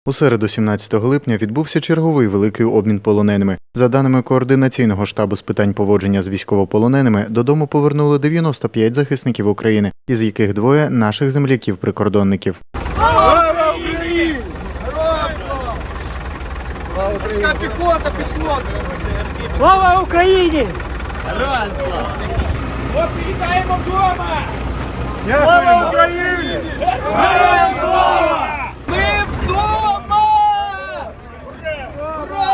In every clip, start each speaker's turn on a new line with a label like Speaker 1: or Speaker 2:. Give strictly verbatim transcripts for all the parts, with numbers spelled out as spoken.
Speaker 1: У середу, сімнадцятого липня, відбувся черговий великий обмін полоненими. За даними Координаційного штабу з питань поводження з військовополоненими, додому повернули дев'яносто п'ять захисників України, із яких двоє – наших земляків-прикордонників.
Speaker 2: Слава Україні! Піхота, піхота!
Speaker 3: Слава Україні!
Speaker 2: Героям слава!
Speaker 3: Хлопці, вітаємо вдома!
Speaker 2: Слава Україні! Героям слава!
Speaker 3: Ми вдома! Ура!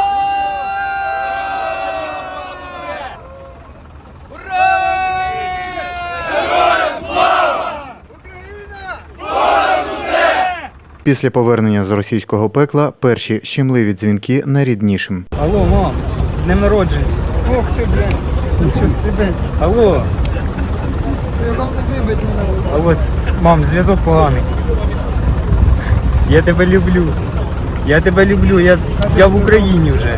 Speaker 3: Ура!
Speaker 2: Героям слава! Україна!
Speaker 1: Після повернення з російського пекла перші щемливі дзвінки найріднішим.
Speaker 4: Алло, мам, з днем народження.
Speaker 2: Ух ти, блядь!
Speaker 4: Нічого себе. Алло. Алло, с- мам, зв'язок поганий. Я тебе люблю. Я тебе люблю, я, я в Україні вже.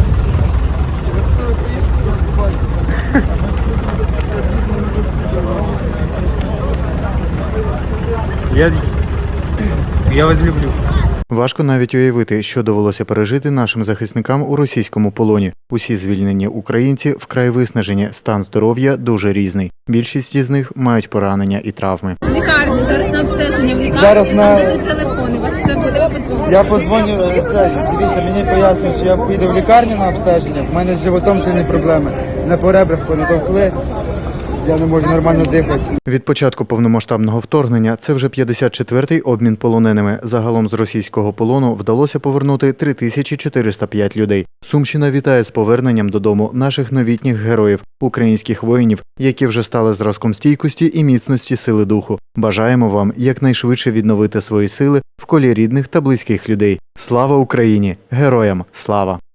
Speaker 4: Я, я вас люблю.
Speaker 1: Важко навіть уявити, що довелося пережити нашим захисникам у російському полоні. Усі звільнені українці вкрай виснажені, стан здоров'я дуже різний. Більшість із них мають поранення і травми.
Speaker 5: В лікарні, зараз на обстеження в лікарні,
Speaker 6: Зараз
Speaker 5: там
Speaker 6: на-
Speaker 5: дадуть телефони, вас все буде, ви подзвоните.
Speaker 6: Я подзвоню, е, це, дивіться, мені пояснюють, що я піду в лікарню на обстеження, в мене з животом сильні проблеми. На поребрах понатовкли, я не можу нормально дихати.
Speaker 1: Від початку повномасштабного вторгнення це вже п'ятдесят четвертий обмін полоненими. Загалом з російського полону вдалося повернути три тисячі чотириста п'ять людей. Сумщина вітає з поверненням додому наших новітніх героїв, українських воїнів, які вже стали зразком стійкості і міцності сили духу. Бажаємо вам якнайшвидше відновити свої сили в колі рідних та близьких людей. Слава Україні! Героям слава!